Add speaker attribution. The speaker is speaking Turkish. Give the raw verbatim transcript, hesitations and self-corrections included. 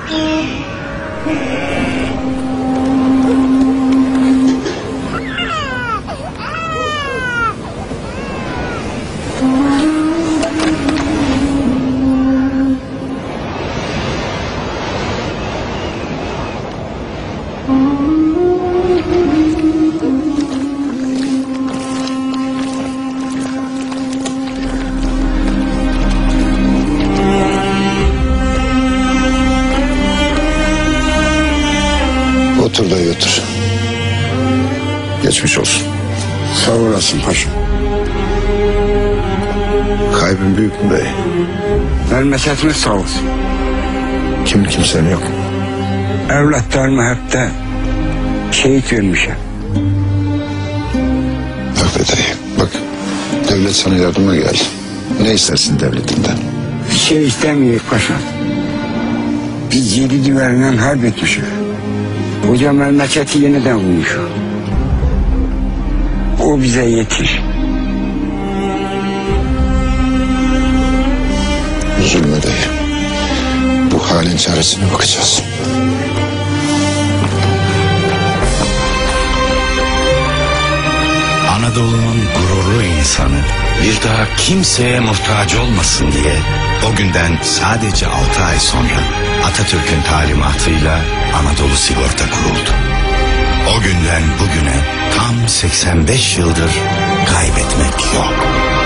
Speaker 1: Otur dayı otur. Geçmiş olsun.
Speaker 2: Sağ olasın paşam.
Speaker 1: Kaybın büyük mü dayı?
Speaker 2: Vermesesiniz sağ olsun.
Speaker 1: Kim kimsen yok.
Speaker 2: Evlatlarımı hep de şehit vermişim.
Speaker 1: Bak be dayı bak. Devlet sana yardıma geldi. Ne istersin devletinden?
Speaker 2: Bir şey istemiyor paşam. Biz yedi düverinden harp etmişiz. Koca memleketi yeniden kurmuş. O bize yetir.
Speaker 1: Üzülme dayı. Bu halin çaresine bakacağız.
Speaker 3: Anadolu'nun gururlu insanı bir daha kimseye muhtaç olmasın diye o günden sadece altı ay sonra Atatürk'ün talimatıyla Anadolu Sigorta kuruldu. O günden bugüne tam seksen beş yıldır kaybetmek yok.